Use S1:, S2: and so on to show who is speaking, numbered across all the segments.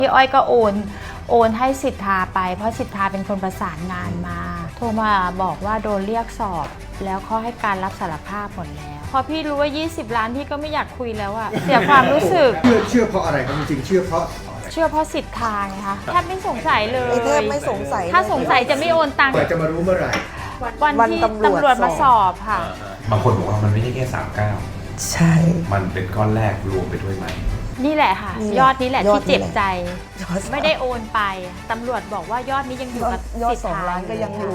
S1: พี่อ้อยก็โอนให้สิทธาไปเพราะสิทธาเป็นคนประสานงานมาโทรมาบอกว่าโดนเรียกสอบแล้วเขาให้การรับสารภาพหมดแล้วพอพี่รู้ว่า20 ล้านพี่ก็ไม่อยากคุยแล้วอะเสียความรู้สึก
S2: เชื่อเพราะอะไรครับจริงๆเชื่อเพราะ
S1: สิทธาไงคะแทบไม่สงสัยเลย
S3: แทบไม่สงสัย
S1: ถ้าสงสัยจะไม่โอนตังค์
S2: แต่จะมารู้เมื่อไหร่
S1: วันที่ตำรวจมาสอบค่ะ
S4: บางคนบอกว่ามันไม่ใช่แค่39
S3: ใช่
S4: มันเป็นก้อนแรกรวมไปด้วยไหม
S1: นี่แหละค่ะ
S3: นี่แหละ
S1: ยอดนี้แหละ
S3: ยอ
S1: ที่
S3: ดนี้
S1: เจ็บใจ
S3: ยอด
S1: ไม่ได้โอนไปตำรวจบอกว่ายอดนี้ยังอยู่กับ
S3: ยอด
S1: สิทธา
S3: 2 ล้านก็ยังอยู่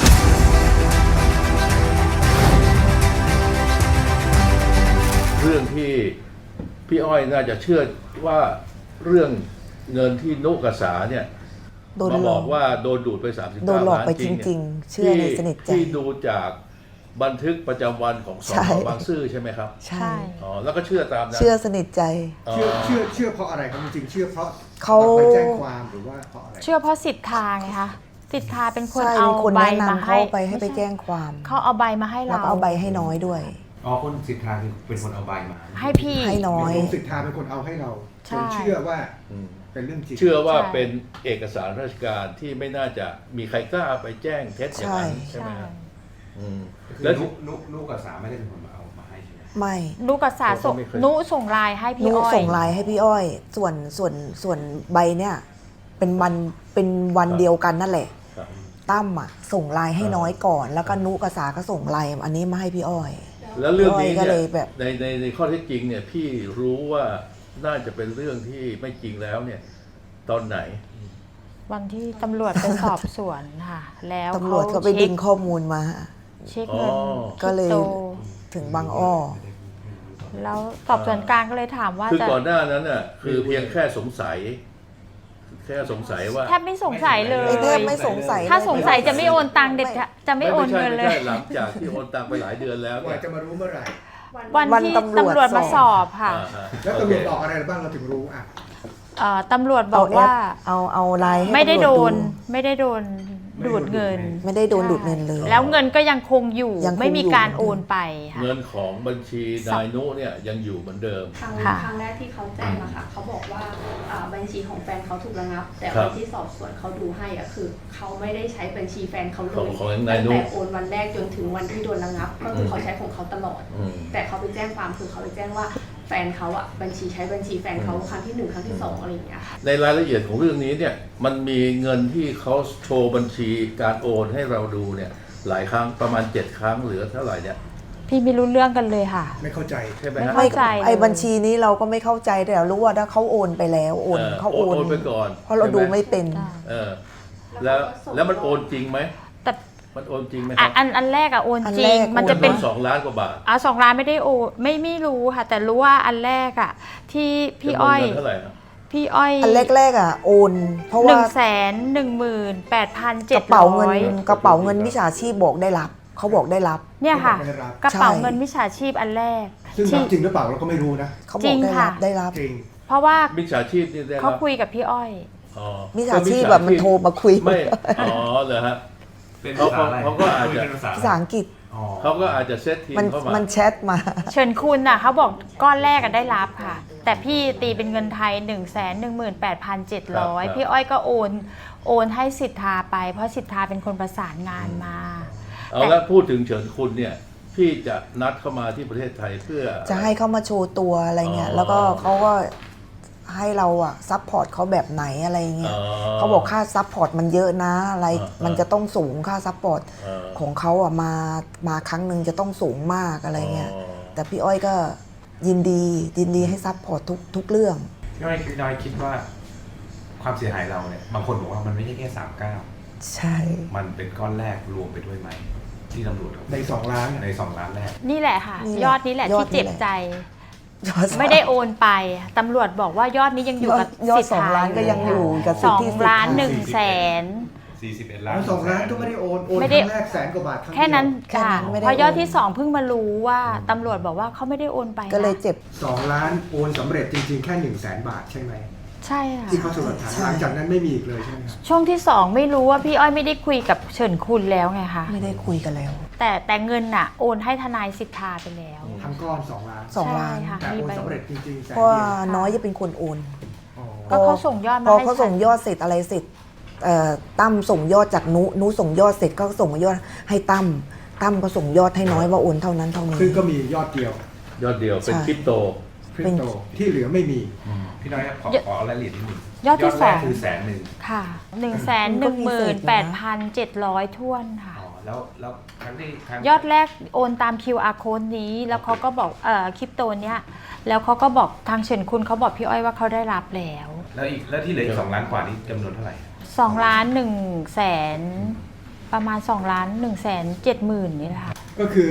S5: เรื่องที่พี่อ้อยน่าจะเชื่อว่าเรื่องเงินที่นุกษาเนี่ย
S3: โดน
S5: มา
S3: หล
S5: บ
S3: อ
S5: อก กว่าโดนดูดไป39
S3: โดนหลอก
S5: ล้าน
S3: ไป
S5: จ
S3: จ
S5: ริง
S3: ริง
S5: ๆ
S3: ๆ เชื่อในสนิทใจ
S5: ที่ดูจากบันทึกประจำวันของส
S3: ใช่
S5: พบางซื่อใช่ไหมครับ
S3: ใช่
S5: อ๋อแล้วก็เชื่อตามนั้น
S3: เชื่อสนิทใจ
S5: อ๋อ
S2: เชื่อเพราะอะไรครับจริงๆเชื่อเพราะ
S3: เขา
S2: ไปแจ้งความหรือว่าเพราะอะไร
S1: เชื่อเพราะสิทธาไงคะสิทธาเป็นคน
S3: ใช่
S1: เอา
S3: มีคน
S1: ใบ
S3: แนะ
S1: มาน
S3: ำ
S1: ให้
S3: เขาไปให้ไป
S1: ม่ใช่
S3: แจ้งความ
S1: เขาเอาใบมาให้
S3: แล้ว
S1: เรา
S3: ก็เอาใบให้น้อยด้วย
S4: อ๋อคนสิทธาคือเป็นคนเอาใบมา
S1: ให้พี่
S3: ให้น้อย
S2: คุณสิทธาเป็นคนเอาให้เรา
S1: ใช่
S2: จนเชื่อว่า
S5: อืม
S2: เป็นเรื่องจริง
S5: เชื่อว่า
S1: ใช่
S5: เป็นเอกสารราชการที่ไม่น่าจะมีใครกล้าไปแจ้งเท็จอย่างนั้นใช่ไหม
S1: ใช่
S5: ครับอืม
S4: แล้
S5: แล้ว ว
S4: นุกับสาไม่ได้เป็นคนมาเอามาให้ใช่ไหม
S3: ไม่
S1: นุกับสาส่ง
S5: ผมก็ไม่เคย
S1: นุส่งไลน์ให้พี่
S3: นุ
S1: อ้อย
S3: ส่งไลน์ให้พี่อ้อย ส่วนใบเนี่ยเป็นวันเดียวกันนั่นแหละ
S5: ครับ
S3: ตั้มอ่ะส่งไลน์ให้น้อยก่อน แล้วก็นุกับสาก็ส่งไลน์อันนี้มาให้พี่อ้อย
S5: แล้วเรื่องนี้
S3: พี่อ้อยก็
S5: เนี่
S3: เลย ยแบบ
S5: ในข้อเท็จจริงเนี่ยพี่รู้ว่าน่าจะเป็นเรื่องที่ไม่จริงแล้วเนี่ยตอนไหน
S1: วันที่ตำรวจไปสอบสวนค่ะ แล้ว
S3: ตำรวจก็ไปดึงข้อมูลมา
S1: เช็คเงิน
S5: อ๋อ
S3: ก็เลย
S1: คริปโต
S3: ถึงบางอ้อ
S1: แล้วสอบสวนกลางก็เลยถามว่า
S5: คือ
S1: จะ
S5: ก่อนหน้านั้นน่ะคือเพียงแค่สงสัย แค่สงสัยว่า
S1: แทบไม่สงสัยเลย
S3: แทบไม่สงสัย
S1: ถ้าสงสัยจะไม่โอนตังค์เด็ดขาดจะไม่โอน
S5: ใช่
S1: เงินเลย
S5: ไม่ใช่หลังจากที่โอนตังไปหลายเดือนแล้ว
S2: ว่า
S5: เนี่ย
S2: จะมารู้เมื่อไหร่
S1: วันที่ตำรวจมาสอบค่ะ
S5: อ่า
S2: แล้วตำรวจบอกอะไรบ้างเราถึงรู้อ่ะ
S1: ตำรวจบอกว่า
S3: เอาไลน์ให้
S1: ไม่ได้
S3: ตำร
S1: โด
S3: วจ
S1: นไม่ได้โดนดูดเงิน
S3: ไม่ได้โดนดูดเงินเลย
S1: แล้วเงินก็ยังคงอยู่
S3: ยังคง
S1: ไม่มีการโอนไปค่ะ
S5: เงินของบัญชีนายนุเนี่ยยังอยู่เหมือนเดิม
S6: ครั้ง
S1: ค่ะ
S6: ครั้งแรกที่เขาแจ้งอะค่ะเขาบอกว่าบัญชีของแฟนเขาถูกระงับ แต่
S5: ครั
S6: วั
S5: บ
S6: นที่สอบสวนเขาดูให้อะคือเขาไม่ได้ใช้บัญชีแฟนเขาเล
S5: ของ
S6: ย
S5: ของ
S6: ตั้ง
S5: นายนุ
S6: แต่โอนวันแรกจนถึงวันที่โดนระงับ ก็คือเขาใช้ของเขาตลอด
S5: อืม
S6: แต่เขาไปแจ้งความคือเขาไปแจ้งว่าแฟนเขาอะบัญชีใช้บัญชีแฟนเขาครั้งที่1ครั้งที่2อะไรอย่างเงี้ยค่ะ
S5: ในรายละเอียดของเรื่องนี้เนี่ยมันมีเงินที่เขาโชว์บัญชีการโอนให้เราดูเนี่ยหลายครั้งประมาณ7 ครั้งเหลือเท่าไหร่เนี่ย
S1: พี่ไม่รู้เรื่องกันเลยค่ะ
S2: ไม่เข้าใจ
S5: ใช่ไหม
S1: ไม่
S5: ฮะ
S1: เข้าใจ
S3: ไอ้
S1: เลย
S3: บัญชีนี้เราก็ไม่เข้าใจแต่เรารู้ว่าถ้าเขาโอนไปแล้วเขาโอน
S5: ไปก่อน
S3: เพราะเราดูไม่เป็น
S5: เออแล้วแล้วมันโอนจริงไหม
S1: แต่
S5: มันโอนจริงไหมครับ
S1: อันแรกอะโอน
S3: อัน
S1: จริ
S3: แรง ก
S1: มันจะเป็น
S5: 2 ล้านกว่าบาท
S1: 2 ล้านไม่ได้โอนไม่รู้ค่ะ แต่รู้ว่าอันแรกอะที่พี่อ้อย
S5: จำนวนเงินเท่าไหร่ครับ
S1: พี่อ้อย
S3: อันแรกๆอ่ะโอน เพราะว่า
S1: 118,700
S3: กระเป๋าเงินมิจฉาชีพบอกได้รับเขาบอกได้รับ
S1: เนี่ยค่ะ
S2: ไม่ได้รับ
S1: กระเป๋า
S3: ใช่
S1: เงินมิจฉาชีพอันแรก
S2: ซึ่งรับจริงหรือเปล่าเราก็ไม่รู้นะ
S3: เขาบอกได้รับได้รับ
S2: จริง
S1: เพราะว่า
S5: มิจฉาชีพนี่ได้
S1: เขา
S5: รับ
S1: คุยกับพี่อ้อย
S5: อ๋อ
S3: มิจฉาชีพแบบมันโทรมาคุย
S5: ไม่อ๋อเหรอฮะ
S4: เป็น
S5: เขา
S4: ภาษาอะไร
S5: เขาก็อาจจะ
S4: เป็นภาษา
S3: ภาษาอังกฤษ
S4: อ๋อ
S5: เขาก็อาจจะเซตทีม
S3: มัน
S5: เข้ามา
S3: มันแชทมา
S1: เชิญคุณน่ะเขาบอกก้อนแรกได้รับค่ะ แต่พี่ตีเป็นเงินไทย 118,700 พี่อ้อยก็โอนให้สิทธาไปเพราะสิทธาเป็นคนประสานงานมา
S5: เอาแล้วพูดถึงเฉินคุณเนี่ยพี่จะนัดเข้ามาที่ประเทศไทยเพื่อ
S3: จะให้เขามาโชว์ตัวอะไรเงี้ย
S5: อ๋อ
S3: แล้วก็เขาก็ให้เราอะซัพพอร์ตเขาแบบไหนอะไรเงี้ย
S5: อ๋อ
S3: เขาบอกค่าซัพพอร์ตมันเยอะนะอะไร
S5: อ่ามั
S3: มันจะต้องสูงค่าซัพพอร์ต
S5: เออ
S3: ของเขาอะมาครั้งหนึ่งจะต้องสูงมากอะไรเงี้ย
S5: อ๋อ
S3: แต่พี่อ้อยก็ยินดีให้ซัพพอร์ตทุกเรื่อง
S4: พี่น้อยคิดว่าความเสียหายเราเนี่ยบางคนบอกว่ามันไม่ใช่แค่39
S3: ใช่
S4: มันเป็นก้อนแรกรวมไปด้วยไหมที่ตำรวจเขา
S2: ใน2 ล้าน
S4: ใน2 ล้านแรก
S1: นี่แหละค่ะ
S3: นี่แหละ
S1: ยอดนี้แหละ
S3: ยอ
S1: ที่
S3: ดนี้
S1: เจ็บ
S3: แหละ
S1: ใจ
S3: ยอด
S1: ไม่ได้โอนไปตำรวจบอกว่ายอดนี้ยังอยู่กับ
S3: ยอด
S1: สิทธา
S3: 2 ล้านก็ยังอยู่กับสิทธิ
S1: 2 ล้าน
S3: สิทธ
S1: 1 แสน
S4: 41 ล้าน
S2: 2 ล้านก็ไม่ได้โอนค
S1: ไม่
S2: รั้
S1: ได้
S2: งแรก100,000 กว่าบาทครั้งเดียว
S1: แค่นั้น
S3: แค่
S1: ค่ะ
S3: นั้นไม่ได้
S1: พอยอด
S3: โอน
S1: ที่ 2 เพิ่งมารู้ว่าตำรวจบอกว่าเขาไม่ได้โอนไปนะ
S3: ก็เลยเจ็บ
S2: 2 ล้านโอนสำเร็จจริงๆแค่100,000 บาทใช่ไหม
S1: ใช่ค่ะ
S2: ที่เขาสรุปฐานหลังจากนั้นไม่มีอีกเลยใช่ไหมครับ
S1: ช่วงที่ 2 ไม่รู้ว่าพี่อ้อยไม่ได้คุยกับเฉินคุณแล้วไงคะ
S3: ไม่ได้คุยกันแล้ว
S1: แต่เงินน่ะโอนให้ทนายสิทธาไปแล้ว
S2: ทั้งก้อน2 ล้าน
S3: 2 ล้าน
S1: ใช่ค่ะ
S2: แต่
S1: มี
S2: โอน
S1: ใบ
S2: สำเร็จจริงๆแสน
S3: เพราะว่า
S2: เดียว
S3: น้อยจะเป็นคนโอน
S2: อ๋อ
S1: ก็เขาส่งยอด
S3: พ
S1: มา
S3: อ
S1: ให้
S3: เขาส่งยอดเสร็จอะไรเสร็จตั้มส่งยอดจากนุส่งยอดเสร็จก็ส่งยอดให้ตั้มก็ส่งยอดให้น้อยว่าโอนเท่านั้นเท่านี้
S2: ซึ่งก็มียอดเดียวย
S5: อดเดียวเป็น
S3: ใช่
S5: คริปโต
S2: คริปโตที่เหลือไม่มี
S4: พี่น้อยครับขอรายละเอียดนิดนึง
S1: ยอดที่
S4: แรก
S1: 2
S4: คือ100,000
S1: ค่ะ 118,700 ท้วนค่ะ
S4: อ๋อแล้วครั้งที่
S1: ยอดแรกโอนตาม QR code นี้ แล้วเขาก็บอกคริปโตเนี้ยแล้วเขาก็บอกทางเฉินคุณเขาบอกพี่อ้อยว่าเขาได้รับแล้ว
S4: แล้วที่เหลืออีก2 ล้านกว่านี้จำนวนเท่าไหร่
S1: 2 ล้าน1แสนประมาณ2ล้าน1แสน7หมื่นนี่แหละค่ะ
S2: ก็คือ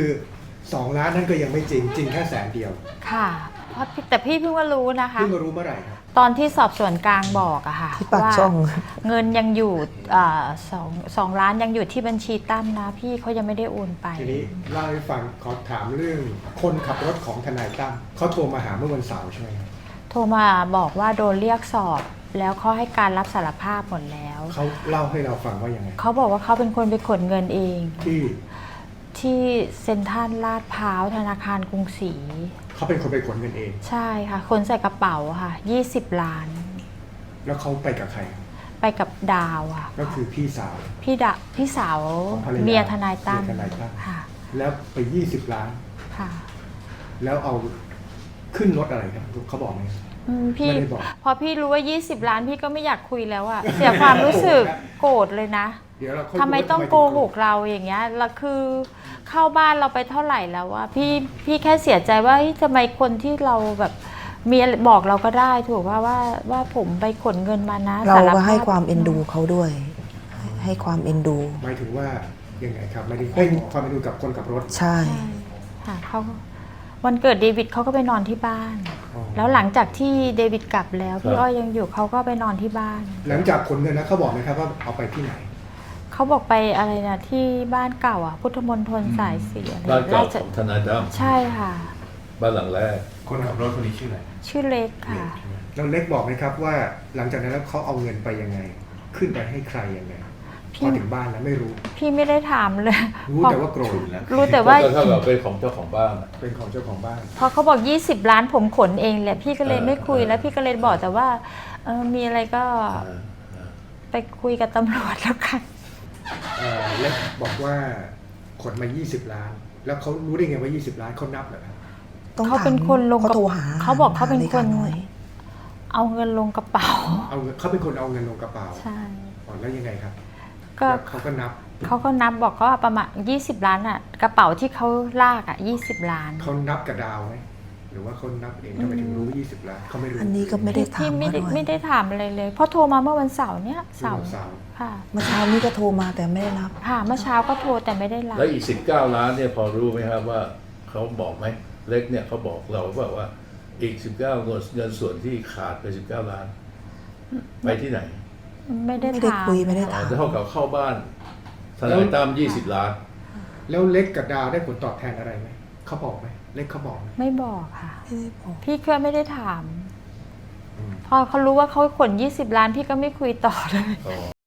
S2: 2 ล้านนั่นก็ยังไม่จริงแค่100,000 เดียว
S1: ค่ะแต่พี่เพิ่งมารู้นะคะ
S2: เพิ่งมารู้เมื่อไหร่ครับ
S1: ตอนที่สอบสวนกลางบอกอะค่ะ
S3: ที่ปาก
S1: ว่า
S3: ช่อง
S1: เงินยังอยู่สองล้านยังอยู่ที่บัญชีตั้มนะพี่เขายังไม่ได้โอนไป
S2: ทีนี้เล่าให้ฟังขอถามเรื่องคนขับรถของทนายตั้มเขาโทรมาหาเมื่อวันเสาร์ใช่ไหมครับ
S1: โทรมาบอกว่าโดนเรียกสอบแล้วเขาให้การรับสารภาพหมดแล้ว
S2: เขาเล่าให้เราฟังว่ายังไง
S1: เขาบอกว่าเขาเป็นคนไปขนเงินเอง ที่เซ็นทรัลลาดพร้าวธนาคารกรุงศรี
S2: เขาเป็นคนไปขนเงินเอง
S1: ใช่ค่ะคนใส่กระเป๋าค่ะ20 ล้าน
S2: แล้วเขาไปกับใคร
S1: ไปกับดาวค่ะ
S2: ก็คือพี่สาว
S1: พี่สาว
S2: ของภรรยา
S1: เมียทนายตั้ม
S2: เมียทนายตั้ม
S1: ค่ะ
S2: แล้วไป20 ล้าน
S1: ค่ะ
S2: แล้วเอาขึ้นรถอะไรครับเขาบอกไหม
S1: พี่
S2: ไม่ได้บอก
S1: พอพี่รู้ว่า20 ล้านพี่ก็ไม่อยากคุยแล้วอะเสียความรู้สึกโกรธเลยนะ
S2: เดี๋ยวเราค่อย
S1: ทำไม
S2: ดูว่า
S1: ต้อง
S2: ถึ
S1: โกหกเราอย่างเงี้ยแล้วคือเข้าบ้านเราไปเท่าไหร่แล้วอะพี่แค่เสียใจว่าเฮ้ยทำไมคนที่เราแบบมีอะไรบอกเราก็ได้ถูกว่าผมไปขนเงินมานะ
S3: เรา
S1: ส
S3: ก็
S1: ภพ
S3: ให้ความเอ็นดูเขาด้วย ให้ความเอ็นดู
S2: หมายถึงว่ายังไงครับไม่ได้ให้ความเป็นดูกับคนขับรถ
S3: ใช่
S1: ใช่ค่ะเขาวันเกิดเดวิดเขาก็ไปนอนที่บ้าน
S2: อ๋อ
S1: แล้วหลังจากที่เดวิดกลับแล้วพี่
S5: ครับ
S1: อ้อยยังอยู่เขาก็ไปนอนที่บ้าน
S2: หลังจากขนเงินแล้วเขาบอกไหมครับว่าเอาไปที่ไหน
S1: เขาบอกไปอะไรนะที่บ้านเก่าอ่ะพุทธมณฑลสายสีอะไร
S5: บ้านเก่า
S1: ราช
S5: ของทนายตั้ม
S1: ใช่ค่ะ
S5: บ้านหลังแรก
S4: คนขับรถคนนี้ชื่ออะไร
S1: ชื่อเล็กค่ะ
S2: แล้วเล็กบอกไหมครับว่าหลังจากนั้นแล้วเขาเอาเงินไปยังไง ขึ้นไปให้ใครยังไง
S1: พี่
S2: พอถึงบ้านแล้วไม่รู้
S1: พี่ไม่ได้ถามเลย
S2: รู้แต่ว่าโกรธ
S4: แล้ว
S1: รู้แต่ว่า
S5: ก็เท่ากับเป็นของเจ้าของบ้านอะ
S2: เป็นของเจ้าของบ้าน
S1: พอเขาบอก20 ล้านผมขนเองแหละพี่ก็เลยไม่คุย
S5: เออ
S1: แล้วพี่ก็เลยบอกแต่ว่ามีอะไรก็
S5: อ่า
S1: ไปคุยกับตำรวจแล้วกัน
S2: เล็กบอกว่าขนมา20 ล้าน แล้วเขารู้ได้ไงว่า20 ล้านเขานับเหรอครับ
S3: ต้อง
S1: เขา
S3: ถาม
S1: เป็นคนลง
S3: เขาโทรหา
S1: เขาบอกเขาเป็นคน
S3: หลย
S1: เอาเงินลงกระเป๋า
S2: เขาเป็นคนเอาเงินลงกระเป๋า
S1: ใช่
S2: อ๋อแล้วยังไงครับ
S1: ก็
S2: แล้วเขาก็นับ
S1: เขาก็นับบอกก็ประมาณ20 ล้านอ่ะกระเป๋าที่เขาลากอ่ะ20 ล้าน
S2: เขานับกับดาวไหมหรือว่าเขานับเองทำไมถึงรู้ว่า20 ล้านเขาไม่รู้
S3: อันนี้ก็ไม่ได้ถา
S1: พี่
S3: ม
S1: ไม่
S3: มา
S1: ได้
S3: ด้วย
S1: ไม่ได้ถามอะไรเลยเพราะโทรมาเมื่อวันเสาร์เนี่ยเสาร์
S2: เสาร์
S1: ค่ะ
S3: เมื่อเช้านี้ก็โทรมาแต่ไม่ได้รับ
S1: ค่ะเมื่อเช้าก็โทรแต่ไม่ได้รับ
S5: แล้วอีก19 ล้านเนี่ยพอรู้ไหมครับว่าเขาบอกไหมเล็กเนี่ยเขาบอกเราว่าอีก19เงินส่วนที่ขาดไป19 ล้าน ไปที่ไหน
S1: ไม่ได้
S3: ไม่ได้
S1: ถาม
S3: คุยไม่ได้
S5: อ๋
S3: ถา
S5: อ
S3: ม
S5: จะเท่ากับเข้าบ้านทนายตั้ม20 ล้าน
S2: แล้วเล็กกับดาวได้ผลตอบแทนอะไรไหมเขาบอกไหมเล็กเขาบอกไหม
S1: ไม่บอกค่ะ
S3: ไม่ได้บอก
S1: พี่ก็ไม่ได้ถาม พอเขารู้ว่าเขาขน20 ล้านพี่ก็ไม่คุยต่อเลย
S5: อ๋อ